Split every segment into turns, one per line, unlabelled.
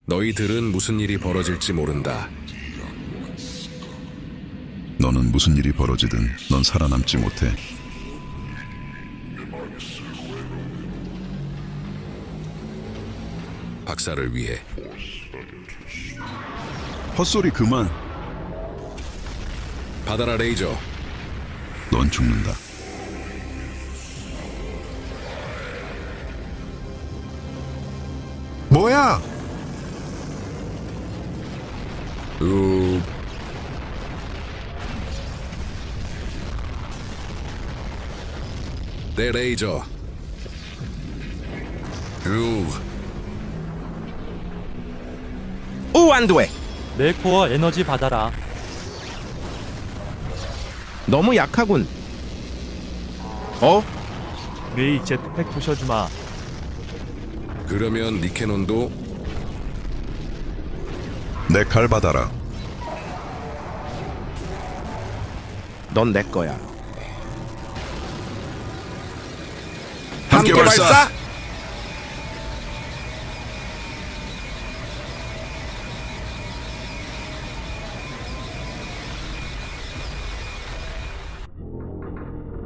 너희들은 무슨 일이 벌어질지 모른다.
너는 무슨 일이 벌어지든 넌 살아남지 못해.
박사를 위해
헛소리 그만.
받아라 레이저.
넌 죽는다.
뭐야?
내 레이저.
오, 안 돼.
내 코어 에너지 받아라.
너무 약하군. 어?
메이 제트팩 부셔주마.
그러면 니케논도
내 칼 받아라.
넌 내 거야.
함께 발사!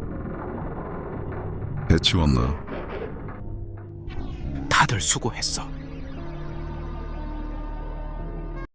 배 치웠나?
다들 수고했어.